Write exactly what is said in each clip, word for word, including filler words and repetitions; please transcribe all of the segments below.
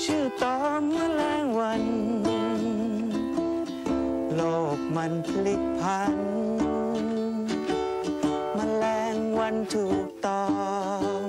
ชื่อตอมแมลงวันโลกมันพลิกพันแมลงวันถูกตอม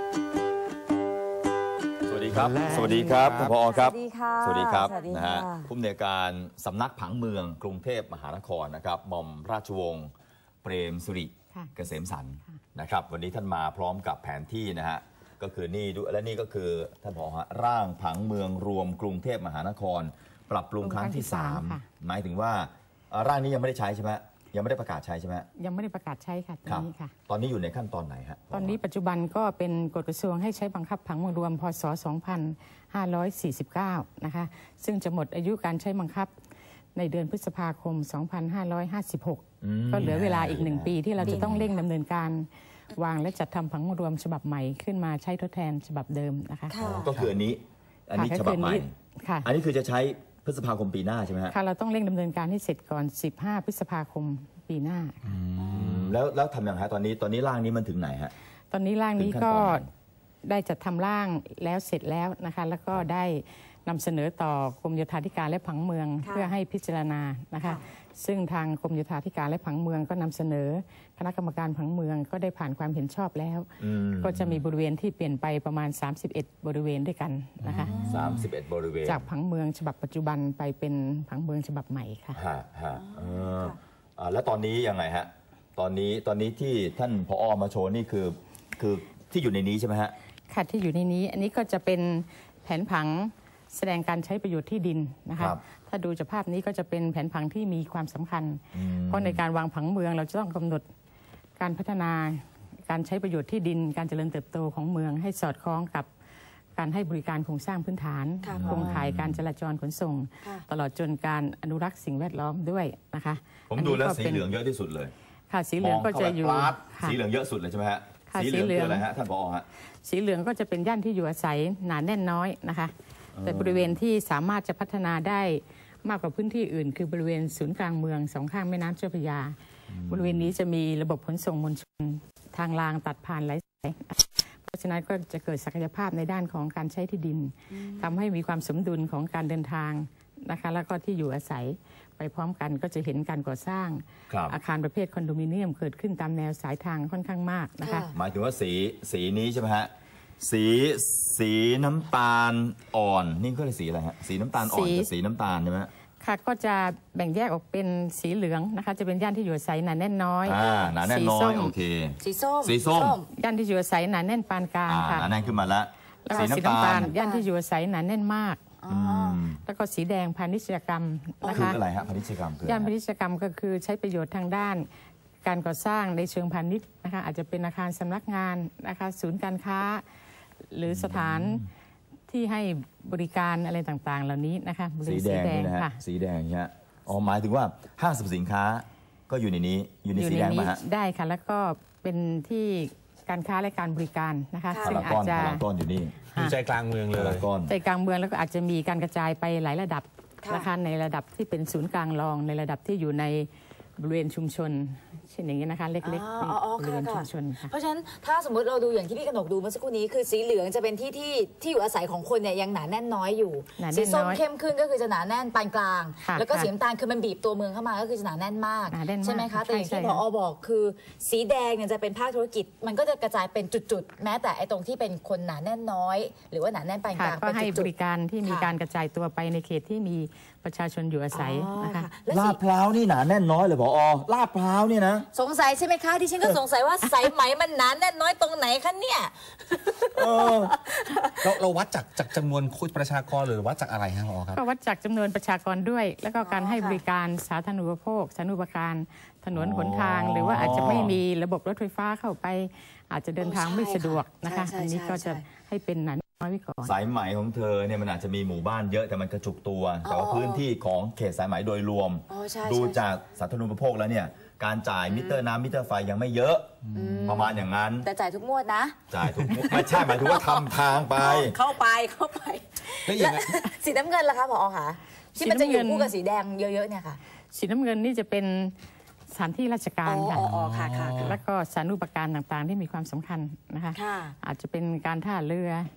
สวัสดีครับสวัสดีครับท่านผอครับสวัสดีค่ะสวัสดีครับสวัสดีนะค่ะฮะผู้อำนวยการสำนักผังเมืองกรุงเทพมหานครนะครับหม่อมราชวงศ์เปรมสุริเกษมสันต์นะครับวันนี้ท่านมาพร้อมกับแผนที่นะฮะก็คือนี่ดูและนี่ก็คือท่านผอฮะร่างผังเมืองรวมกรุงเทพมหานคร ปรับปรุงครั้งที่สามหมายถึงว่าร่างนี้ยังไม่ได้ใช้ใช่ไหมยังไม่ได้ประกาศใช้ใช่ไหมยังไม่ได้ประกาศใช้ค่ะตอนนี้ค่ะตอนนี้อยู่ในขั้นตอนไหนฮะตอนนี้ปัจจุบันก็เป็นกฎกระทรวงให้ใช้บังคับผังเมืองรวมพ.ศ. สองพันห้าร้อยสี่สิบเก้านะคะซึ่งจะหมดอายุการใช้บังคับในเดือนพฤษภาคม สองพันห้าร้อยห้าสิบหก ก็เหลือเวลาอีกหนึ่งปีที่เราจะต้องเร่งดำเนินการวางและจัดทำผังเมืองรวมฉบับใหม่ขึ้นมาใช้ทดแทนฉบับเดิมนะคะก็คืออันนี้อันนี้ฉบับใหม่อันนี้คือจะใช้พฤษภาคมปีหน้าใช่ไหมฮะค่ะเราต้องเร่งดำเนินการให้เสร็จก่อนสิบห้าพฤษภาคมปีหน้าแล้วแล้วทำอย่างไรตอนนี้ตอนนี้ร่างนี้มันถึงไหนฮะตอนนี้ร่างนี้ก็ได้จัดทำร่างแล้วเสร็จแล้วนะคะแล้วก็ได้นำเสนอต่อกรมโยธาธิการและผังเมืองเพื่อให้พิจารณานะคะซึ่งทางกรมโยธาธิการและผังเมืองก็นำเสนอคณะกรรมการผังเมืองก็ได้ผ่านความเห็นชอบแล้วก็จะมีบริเวณที่เปลี่ยนไปประมาณสามสิบเอ็ดบริเวณด้วยกันนะคะสามสิบเอ็ดบริเวณจากผังเมืองฉบับปัจจุบันไปเป็นผังเมืองฉบับใหม่ค่ะฮะฮะเออแล้วตอนนี้ยังไงฮะตอนนี้ตอนนี้ที่ท่านผอ.มาโชว์นี่คือคือที่อยู่ในนี้ใช่ไหมฮะค่ะที่อยู่ในนี้อันนี้ก็จะเป็นแผนผังแสดงการใช้ประโยชน์ที่ดินนะคะถ้าดูจากภาพนี้ก็จะเป็นแผนผังที่มีความสำคัญเพราะในการวางผังเมืองเราจะต้องกำหนดการพัฒนาการใช้ประโยชน์ที่ดินการเจริญเติบโตของเมืองให้สอดคล้องกับการให้บริการโครงสร้างพื้นฐานโครงข่ายการจราจรขนส่งตลอดจนการอนุรักษ์สิ่งแวดล้อมด้วยนะคะผมดูแล้วสีเหลืองเยอะที่สุดเลยค่ะสีเหลืองก็จะอยู่สีเหลืองเยอะสุดเลยใช่ไหมฮะสีเหลืองคืออะไรฮะท่านผอ.ฮะสีเหลืองก็จะเป็นย่านที่อยู่อาศัยหนาแน่นน้อยนะคะแต่บริเวณที่สามารถจะพัฒนาได้มากกว่าพื้นที่อื่นคือบริเวณศูนย์กลางเมืองสองข้างแม่น้ำเจ้าพระยาบริเวณนี้จะมีระบบขนส่งมวลชนทางรางตัดผ่านหลายสายเพราะฉะนั้นก็จะเกิดศักยภาพในด้านของการใช้ที่ดินทำให้มีความสมดุลของการเดินทางนะคะแล้วก็ที่อยู่อาศัยไปพร้อมกันก็จะเห็นการก่อสร้างอาคารประเภทคอนโดมิเนียมเกิดขึ้นตามแนวสายทางค่อนข้างมากนะคะหมายถึงว่าสีสีนี้ใช่ไหมฮะสีสีน้ำตาลอ่อนนี่ก็เลยสีอะไรฮะสีน้ำตาลอ่อนกับสีน้ำตาลใช่ไหมค่ะก็จะแบ่งแยกออกเป็นสีเหลืองนะคะจะเป็นย่านที่อยู่อาศัยหนาแน่นน้อยอ่าหนาแน่นน้อยโอเคสีส้มสีส้มย่านที่อยู่อาศัยหนาแน่นปานกลางค่ะหนาแน่นขึ้นมาแล้วสีน้ำตาลย่านที่อยู่อาศัยหนาแน่นมากแล้วก็สีแดงพาณิชยกรรมนะคะคืออะไรฮะพาณิชยกรรมคือย่านพาณิชยกรรมก็คือใช้ประโยชน์ทางด้านการก่อสร้างในเชิงพาณิชย์นะคะอาจจะเป็นอาคารสำนักงานนะคะศูนย์การค้าหรือสถานที่ให้บริการอะไรต่างๆเหล่านี้นะคะสีแดงนี่นะฮะสีแดงเนี่ยอ๋อหมายถึงว่าห้างสรรพสินค้าก็อยู่ในนี้อยู่ในสีแดงมาฮะได้ค่ะแล้วก็เป็นที่การค้าและการบริการนะคะซึ่งอาจจะต้นอยู่นี่อยู่ใจกลางเมืองเลยใจกลางเมืองแล้วก็อาจจะมีการกระจายไปหลายระดับนะคะในระดับที่เป็นศูนย์กลางรองในระดับที่อยู่ในบริเวณชุมชนเช่นอย่างนี้นะคะเล็กๆบริเวณชุมชนค่ะเพราะฉะนั้นถ้าสมมติเราดูอย่างที่พี่กนกดูเมื่อสักครู่นี้คือสีเหลืองจะเป็นที่ที่ที่อยู่อาศัยของคนเนี่ยยังหนาแน่นน้อยอยู่สีส้มเข้มขึ้นก็คือจะหนาแน่นปานกลางแล้วก็สีน้ำตาลคือมันบีบตัวเมืองเข้ามาก็คือจะหนาแน่นมากใช่ไหมคะแต่อย่างที่ผอ.บอกคือสีแดงเนี่ยจะเป็นภาคธุรกิจมันก็จะกระจายเป็นจุดๆแม้แต่ไอ้ตรงที่เป็นคนหนาแน่นน้อยหรือว่าหนาแน่นปานกลางก็ให้บริการที่มีการกระจายตัวไปในเขตที่มีประชาชนอยู่อาศัยนะคะลาดพร้าวนี่หนาแน่นน้อยเลยผอ.ลาดพร้าวเนี่ยนะสงสัยใช่ไหมคะที่ฉันก็สงสัยว่าสายไหมมันหนาแน่นน้อยตรงไหนคะเนี่ยเราเราวัดจากจากจำนวนคนประชากรหรือวัดจากอะไรฮะผอ.ครับก็วัดจากจำนวนประชากรด้วยแล้วก็การให้บริการสาธารณูปโภคสาธารณูปการถนนหนทางหรือว่าอาจจะไม่มีระบบรถไฟฟ้าเข้าไปอาจจะเดินทางไม่สะดวกนะคะอันนี้ก็จะให้เป็นหนาน้อยไว้ก่อนสายไหมของเธอเนี่ยมันอาจจะมีหมู่บ้านเยอะแต่มันกระจุกตัวแต่ว่าพื้นที่ของเขตสายไหมโดยรวมดูจากสาธารณูปโภคแล้วเนี่ยการจ่ายมิเตอร์น้ำมิเตอร์ไฟยังไม่เยอะประมาณอย่างนั้นแต่จ่ายทุกงวดนะจ่ายทุกงวดไม่ใช่หมายถึงว่าทำทางไปเข้าไปเข้าไปแล้วสีน้ำเงินล่ะคะผอ.คะที่มันจะอยู่คู่กับสีแดงเยอะๆเนี่ยค่ะสีน้ำเงินนี่จะเป็นสถานที่ราชการค่ะแล้วก็สาธารณูปการต่างๆที่มีความสำคัญนะคะอาจจะเป็นการท่าเรือ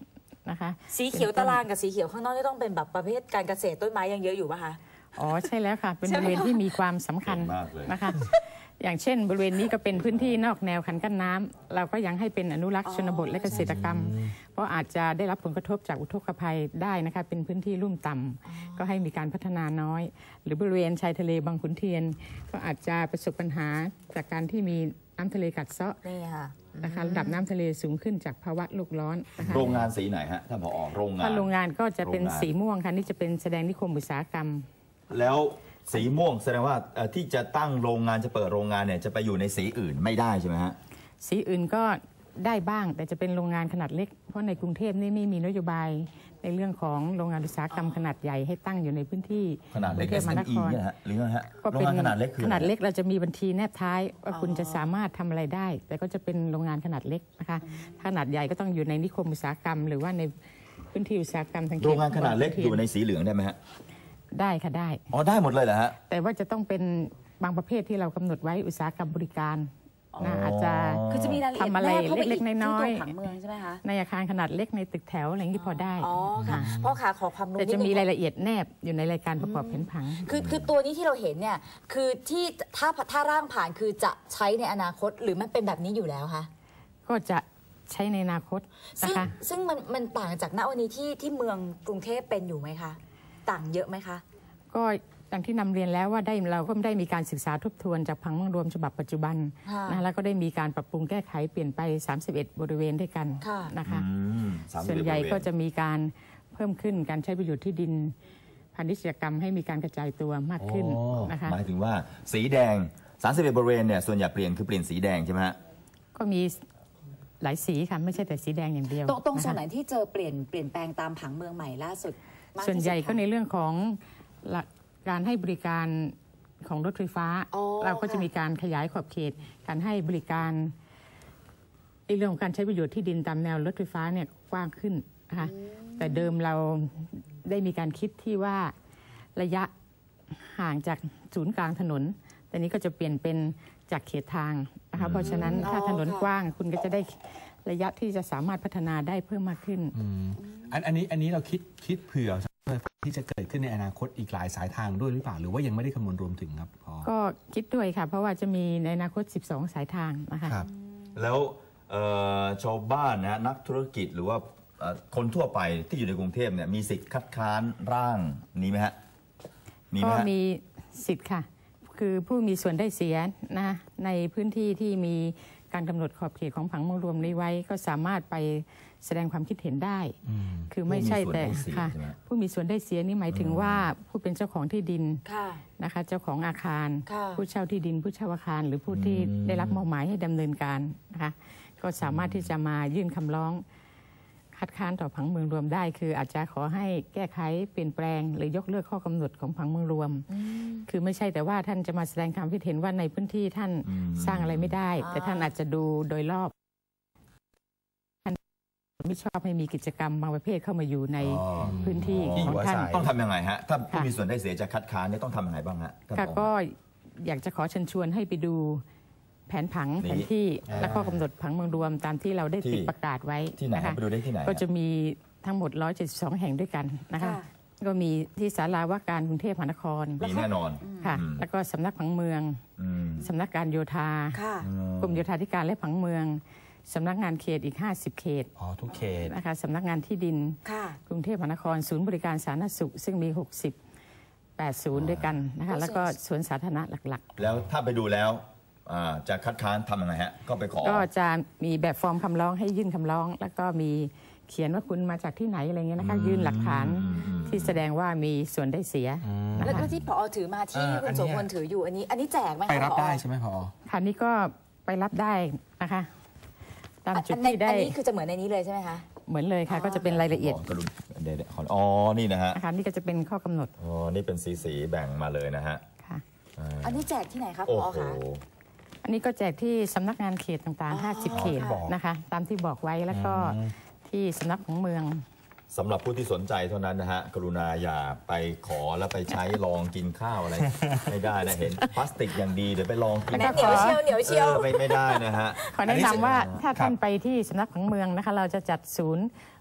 นะคะสีเขียวตารางกับสีเขียวข้างนอกนี่ต้องเป็นแบบประเภทการเกษตรต้นไม้ยังเยอะอยู่ป่ะคะอ๋อใช่แล้วค่ะเป็นบริเวณที่มีความสำคัญมากเลยนะคะ อย่างเช่น บริเวณนี้ก็เป็นพื้นที่นอกแนวคันกั้นน้ำเราก็ยังให้เป็นอนุรักษ์ชนบทและเกษตรกรรม เพราะอาจจะได้รับผลกระทบจากอุทกภัยได้นะคะเป็นพื้นที่ลุ่มต่ำก็ให้มีการพัฒนาน้อย หรือบริเวณชายทะเลบางขุนเทียน ก็อาจจะประสบปัญหาจากการที่มีน้ำทะเลกัดเซาะนี่ค่ะนะคะระดับน้ำทะเลสูงขึ้นจากภาวะโลกร้อนนะคะโรงงานสีไหนฮะท่านผอโรงงานถ้าโรงงานก็จะเป็นโรงงานสีม่วงค่ะนี่จะเป็นแสดงนิคมอุตสาหกรรมแล้วสีม่วงแสดงว่าเอ่อที่จะตั้งโรงงานจะเปิดโรงงานเนี่ยจะไปอยู่ในสีอื่นไม่ได้ใช่ไหมฮะสีอื่นก็ได้บ้างแต่จะเป็นโรงงานขนาดเล็กเพราะในกรุงเทพนี่ไม่มีนโยบายในเรื่องของโรงงานอุตสาหกรรมขนาดใหญ่ให้ตั้งอยู่ในพื้นที่ขนาดเล็กกรุงเทพมหานคเอส เอ็ม อีรเนี่ยฮะหรือไงฮะก็โรงเป็นงานขนาดเล็กคือขนาดอะไรเล็กเราจะมีบัญชีแนบท้ายว่าคุณจะสามารถทำอะไรได้ แต่ก็จะเป็นโรงงานขนาดเล็กนะคะขนาดใหญ่ก็ต้องอยู่ในนิคมอุตสาหกรรม หรือว่าในพื้นที่อุตสาหกรรมทางเขตโรงงานขนาดเล็กอยู่ในสีเหลืองได้ไหมฮะได้ค่ะได้อ๋อได้หมดเลยเหรอฮะแต่ว่าจะต้องเป็นบางประเภทที่เรากำหนดไว้อุตสาหกรรมบริการนะอาจจะคือจะมีรายละเอียดทำอะไรแนบเข้าไปเล็กๆที่น้อยๆตัวผังเมืองใช่ไหมคะในอาคารขนาดเล็กในตึกแถวอะไรอย่างนี้พอได้อ๋อค่ะค่ะพ่อขาขอความรู้แต่จะมีนิดนึงรายละเอียดแนบอยู่ในรายการประกอบแผนผังคือคือตัวนี้ที่เราเห็นเนี่ยคือที่ถ้าถ้าร่างผ่านคือจะใช้ในอนาคตหรือมันเป็นแบบนี้อยู่แล้วคะก็จะใช้ในอนาคตซึ่นะงคะซึ่งมันมันต่างจากณวันนี้ที่ที่เมืองกรุงเทพเป็นอยู่ไหมคะต่างเยอะไหมคะก็อย่างที่นำเรียนแล้วว่าได้เราก็ได้มีการศึกษาทบทวนจากผังเมืองรวมฉบับปัจจุบันค่ะนะแล้วก็ได้มีการปรับปรุงแก้ไขเปลี่ยนไปสามสิบเอ็ดบริเวณด้วยกันค่ะนะคะอืมสามสิบส่วนเอ็ดใหญ่บริเวณก็จะมีการเพิ่มขึ้นการใช้ประโยชน์ที่ดินพาณิชยกรรมให้มีการกระจายตัวมากขึ้นอ๋อนะคะหมายถึงว่าสีแดงสามสิบเอ็ดบริเวณเนี่ยส่วนใหญ่เปลี่ยนคือเปลี่ยนสีแดงใช่ไหมฮะก็มีหลายสีค่ะไม่ใช่แต่สีแดงอย่างเดียวตรงตรงะคะส่วนไหนที่เจอเปลี่ยนเปลี่ยนแปลงตามผังเมืองใหม่ล่าสุดมากที่สุดส่วนใหญ่ก็คะในเรื่องของหลักการให้บริการของรถไฟฟ้าอ๋อเราก็จะค่ะมีการขยายขอบเขต การให้บริการในเรื่องของการใช้ประโยชน์ที่ดินตามแนวรถไฟฟ้าเนี่ยกว้างขึ้นนะคะแต่เดิมเราได้มีการคิดที่ว่าระยะห่างจากศูนย์กลางถนน แต่นี้ก็จะเปลี่ยนเป็นจากเขตทางนะคะเพราะฉะนั้นถ้าถนนกว้างคุณก็จะได้ระยะที่จะสามารถพัฒนาได้เพิ่มมากขึ้นอันอันนี้อันนี้เราคิดคิดเผื่อที่จะเกิดขึ้นในอนาคตอีกหลายสายทางด้วยหรือเปล่าหรือว่ายังไม่ได้คำนวณรวมถึงครับพอก็คิดด้วยค่ะ เพราะว่าจะมีในอนาคต สิบสอง สายทางนะคะครับแล้วเอ่อชาวบ้านนะนักธุรกิจหรือว่าเอ่อคนทั่วไปที่อยู่ในกรุงเทพเนี่ยมีสิทธิ์คัดค้านร่างนี้ไหมฮะมีไหมก็ฮะมีสิทธิ์ค่ะ คือผู้มีส่วนได้เสียนะในพื้นที่ที่มีการกำหนดขอบเขตของผังเมืองรวมนี้ไว้ ก็สามารถไปแสดงความคิดเห็นได้ คือไม่ใช่แต่ค่ะผู้มีส่วนได้เสียนี่หมายถึงว่าผู้เป็นเจ้าของที่ดินค่ะนะคะเจ้าของอาคารค่ะผู้เช่าที่ดิน ผู้เช่าอาคาร หรือผู้ที่ได้รับมอบหมายให้ดำเนินการนะคะก็สามารถที่จะมายื่นคำร้องคัดค้านต่อผังเมืองรวมได้ คืออาจจะขอให้แก้ไขเปลี่ยนแปลง หรือยกเลิกข้อกำหนดของผังเมืองรวม คือไม่ใช่แต่ว่าท่านจะมาแสดงความคิดเห็นว่าในพื้นที่ท่านสร้างอะไรไม่ได้ แต่ท่านอาจจะดูโดยรอบท่านไม่ชอบให้มีกิจกรรมบางประเภทเข้ามาอยู่ในอ๋อพื้นที่ของท่านต้องทำยังไงฮะถ้าผู้ค่ะมีส่วนได้เสียจะคัดค้านเนี่ยต้องทำยังไงบ้างฮะท่านค่ะผอก็อยากจะขอเชิญชวนให้ไปดูแผนผังนี่แผนที่อ่าและข้อกำหนดผังเมืองรวมตามที่เราได้ที่ติดประกาศไว้ที่ไหนนะคะไปดูได้ที่ไหนฮะก็จะมีทั้งหมดหนึ่งร้อยเจ็ดสิบสองแห่งด้วยกันนะคะค่ะก็มีที่ศาลาว่าการกรุงเทพมหานครมีแน่นอนค่ะอืมแล้วก็สำนักผังเมืองอืมสำนักการโยธาค่ะกรมโยธาธิการและผังเมืองสำนักงานเขตอีกห้าสิบเขตอ๋อทุกเขตนะคะสำนักงานที่ดินค่ะกรุงเทพมหานครศูนย์บริการสาธารณสุข ซึ่งมีหกสิบ แปดศูนย์ด้วยกันนะคะแล้วก็สวนสาธารณะหลักแล้วถ้าไปดูแล้วอ่าจะคัดค้านทำยังไงฮะก็ไปขอๆ ก็จะมีแบบฟอร์มคำร้องให้ยื่นคำร้อง แล้วก็มีเขียนว่าคุณมาจากที่ไหนอะไรเงี้ยนะคะยื่นหลักฐานที่แสดงว่ามีส่วนได้เสียนะแล้วคะก็ที่ผอถือมาที่อ่าคุอัณนโสเนี้ยพลถืออยู่อันนี้ อันนี้แจกไหมคะไปรับผอได้ใช่ไหมพอค่ะนี่ก็ไปรับได้นะคะตามจุดอันในที่ได้อันนี้คือจะเหมือนในนี้เลยใช่ไหมคะเหมือนเลยค่ะก็จะเป็นรายละเอียดขกระดุมเดี๋ยวๆขออ๋อนี่นะฮะนะคะนี่ก็จะเป็นข้อกำหนดอ๋อนี่เป็นสีสีๆแบ่งมาเลยนะฮะค่ะอ่าอันนี้แจกที่ไหนคะผโอ้อโหคะอันนี้ก็แจกที่สำนักงานเขตต่างอ๋อๆ ห้าสิบ เขตค่ะนะคะ ตามที่บอกไว้แล้วก็ที่สำนักของเมืองสำหรับผู้ที่สนใจเท่านั้นนะฮะ กรุณาอย่าไปขอแล้วไปใช้ลองกินข้าวอะไร ไม่ได้นะเห็นพลาสติกอย่างดีเดี๋ยวไปลองกินเหนียวเชียวเหนียวเชียวออไม่ไม่ได้นะฮะขอแนะนำว่าถ้าครัท่าบนไปที่สำนักของเมืองนะคะ เราจะจัดศูนย์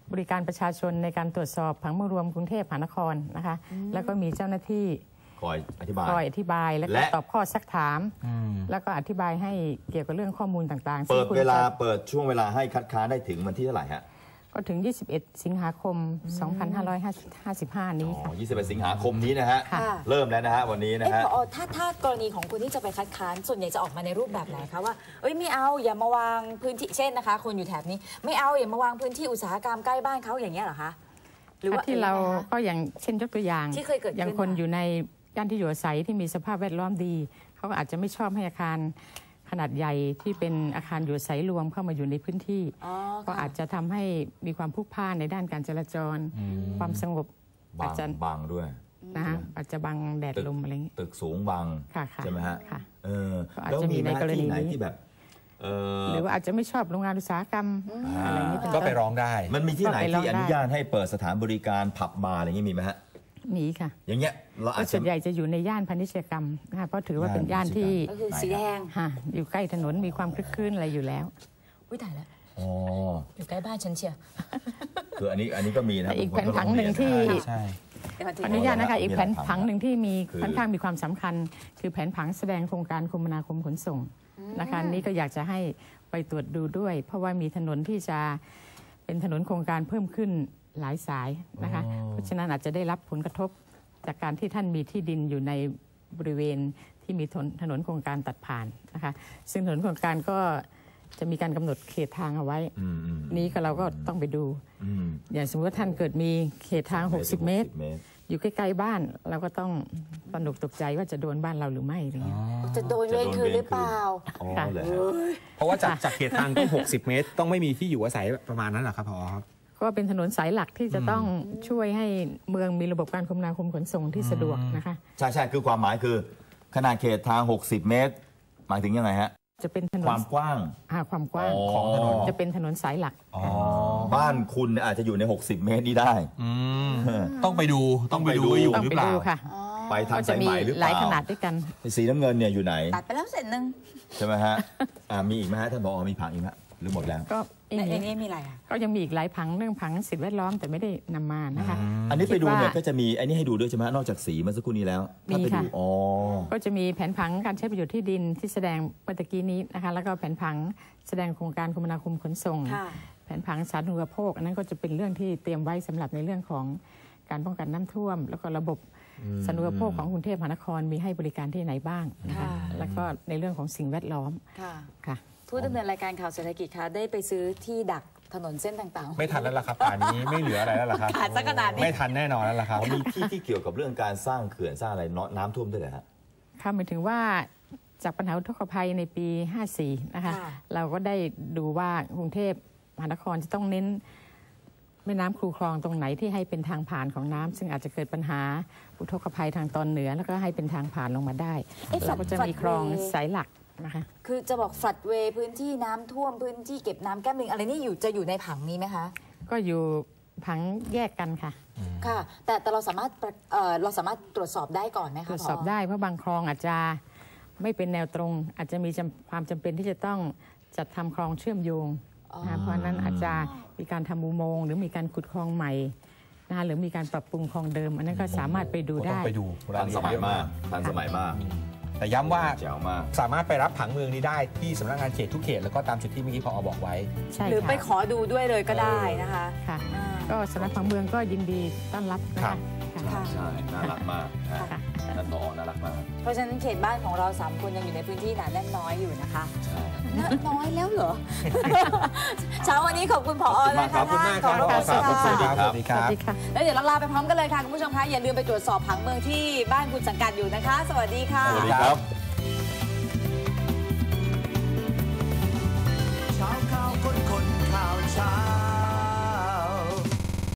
บริการประชาชนในการตรวจสอบผังเมืองรวมกรุงเทพมหานครนะคะแล้วก็มีเจ้าหน้าที่คอยอธิบายคอยอธิบายแล้วก็ตอบข้อซักถามแล้วก็อธิบายให้เกี่ยวกับเรื่องข้อมูลต่างๆเปิดเวลาเปิดช่วงเวลาให้คัดค้านได้ถึงวันที่เท่าไหร่ฮะก็ถึงยี่สิบเอ็ดสิงหาคมสองพันห้าร้อยห้าสิบห้านี้ค่ะยี่สิบเอ็ดสิงหาคมนี้นะฮะเริ่มแล้วนะฮะวันนี้นะฮะถ้าถ้ากรณีของคนที่จะไปคัดค้านส่วนใหญ่จะออกมาในรูปแบบไหนคะว่าเอ้ยไม่เอาอย่ามาวางพื้นที่เช่นนะคะคนอยู่แถบนี้ไม่เอาอย่ามาวางพื้นที่อุตสาหกรรมใกล้บ้านเขาอย่างเงี้ยเหรอคะหรือว่าที่เราก็อย่างเช่นยกตัวอย่างที่เคยเกิดอย่างคนอยู่ในย่านที่อยู่อาศัยที่มีสภาพแวดล้อมดีเขาอาจจะไม่ชอบให้อาคารขนาดใหญ่ที่เป็นอาคารอยู่อาศัยรวมเข้ามาอยู่ในพื้นที่ก็อาจจะทำให้มีความพลุกพล่านในด้านการจราจรความสงบอาจจะบังด้วยนะฮะอาจจะบังแดดลมอะไรอย่างนี้ตึกสูงบังใช่ไหมฮะเออแล้วมีในกรณีไหนที่แบบหรือว่าอาจจะไม่ชอบโรงงานอุตสาหกรรมอะไรนี้ก็ไปร้องได้มันมีที่ไหนที่อนุญาตให้เปิดสถานบริการผับบาร์อะไรอย่างนี้มีไหมฮะมีค่ะอย่างเงี้ยเราอาจจะส่วนใหญ่จะอยู่ในย่านพาณิชยกรรมนะคะเพราะถือว่าเป็นย่านที่สีแดงอยู่ใกล้ถนนมีความคลึกคลื้นอะไรอยู่แล้วอุ้ยตายแล้วอ๋ออยู่ใกล้บ้านฉันเชียวคืออันนี้อันนี้ก็มีนะอีกแผนผังหนึ่งที่อนุญาตนะคะอีกแผนผังหนึ่งที่มีค่อนข้างมีความสำคัญคือแผนผังแสดงโครงการคมนาคมขนส่งนะคะนี้ก็อยากจะให้ไปตรวจดูด้วยเพราะว่ามีถนนที่จะเป็นถนนโครงการเพิ่มขึ้นหลายสายนะคะเพราะฉะนั้นอาจจะได้รับผลกระทบจากการที่ท่านมีที่ดินอยู่ในบริเวณที่มีถนนโครงการตัดผ่านนะคะซึ่งถนนโครงการก็จะมีการกำหนดเขตทางเอาไว้นี้ก็เราก็ต้องไปดูอย่างสมมติว่าท่านเกิดมีเขตทางหกสิบเมตรอยู่ใกล้ๆบ้านเราก็ต้องตระหนกตกใจว่าจะโดนบ้านเราหรือไม่อะไรเงี้ยจะโดนเวรคืนหรือเปล่าเพราะว่าจากจากเขตทางต้องหกสิบเมตรต้องไม่มีที่อยู่อาศัยประมาณนั้นหรอครับพอครับก็เป็นถนนสายหลักที่จะต้องช่วยให้เมืองมีระบบการคมนาคมขนส่งที่สะดวกนะคะใช่ใช่คือความหมายคือขนาดเขตทางหกสิบเมตรหมายถึงยังไงฮะจะเป็นถนนความกว้างความกว้างของถนนจะเป็นถนนสายหลักบ้านคุณอาจจะอยู่ในหกสิบเมตรนี้ได้ต้องไปดูต้องไปดูอยู่หรือเปล่าไปทางสายไหมหรือเปล่าหลายขนาดด้วยกันสีน้ำเงินเนี่ยอยู่ไหนตัดไปแล้วเสร็จนึงใช่ไหมฮะมีอีกไหมฮะท่านผอมีผังอีกไหมหรือหมดแล้วก็ในนี้มีอะไรอ่ะก็ยังมีอีกหลายผังเรื่องผังสิ่งแวดล้อมแต่ไม่ได้นำมานะคะอันนี้ไปดูเนี่ยก็จะมีอันนี้ให้ดูด้วยใช่ไหมนอกจากสีเมื่อสักครู่นี้แล้วมีค่ะก็จะมีแผนผังการใช้ประโยชน์ที่ดินที่แสดงเมื่อกี้นี้นะคะแล้วก็แผนผังแสดงโครงการคมนาคมขนส่งแผนผังสาธารณูปโภคอันนั้นก็จะเป็นเรื่องที่เตรียมไว้สำหรับในเรื่องของการป้องกันน้ำท่วมแล้วก็ระบบสาธารณูปโภคของกรุงเทพมหานครมีให้บริการที่ไหนบ้างนะคะแล้วก็ในเรื่องของสิ่งแวดล้อมค่ะผู้ดำเนินรายการข่าวเศรษฐกิจคะได้ไปซื้อที่ดักถนนเส้นต่างๆไม่ทันแล้วล่ะครับป่านนี้ไม่เหลืออะไรแล้วล่ะครับขาดสักขนาดนี้ไม่ทันแน่นอนแล้วล่ะครับมีที่ที่เกี่ยวกับเรื่องการสร้างเขื่อนสร้างอะไรน้ำท่วมด้วยเหรอฮะค่ะหมายถึงว่าจากปัญหาอุทกภัยในปีห้าสี่นะคะเราก็ได้ดูว่ากรุงเทพมหานครจะต้องเน้นแม่น้ำคูคลองตรงไหนที่ให้เป็นทางผ่านของน้ำซึ่งอาจจะเกิดปัญหาอุทกภัยทางตอนเหนือแล้วก็ให้เป็นทางผ่านลงมาได้เราก็จะมีคลองสายหลักนะคะคือจะบอกฝัดเวพื้นที่น้ำท่วมพื้นที่เก็บน้ำแก้มลิงอะไรนี่อยู่จะอยู่ในผังนี้ไหมคะก็อยู่ผังแยกกันค่ะค่ะแต่แต่เราสามารถเอ่อเราสามารถตรวจสอบได้ก่อนไหมคะตรวจสอบได้เพราะบางคลองอาจจะไม่เป็นแนวตรงอาจจะมีความจำเป็นที่จะต้องจัดทำคลองเชื่อมโยงนะเพราะนั้นอาจจะมีการทำอุโมงค์หรือมีการขุดคลองใหม่นะหรือมีการปรับปรุงคลองเดิมอันนั้นก็สามารถไปดูได้ไปดูทันสมัยมากทันสมัยมากแต่ย้ำว่าสามารถไปรับผังเมืองนี้ได้ที่สำนักงานเขตทุกเขตแล้วก็ตามจุดที่เมื่อกี้พอบอกไว้หรือไปขอดูด้วยเลยก็ได้นะคะค่ะก็สำนักผังเมืองก็ยินดีต้อนรับนะคะใช่น่ารักมากท่านผอน่ารักมากเพราะฉะนั้นเขตบ้านของเราสามคนยังอยู่ในพื้นที่หนาแน่นน้อยอยู่นะคะน้อยแล้วเหรอเช้าวันนี้ขอบคุณผอนะคะขอบคุณมากครับสวัสดีครับสวัสดีครับแล้วเดี๋ยวเราลาไปพร้อมกันเลยค่ะคุณผู้ชมคะอย่าลืมไปตรวจสอบผังเมืองที่บ้านคุณสังกัดอยู่นะคะสวัสดีค่ะสวัสดีครับ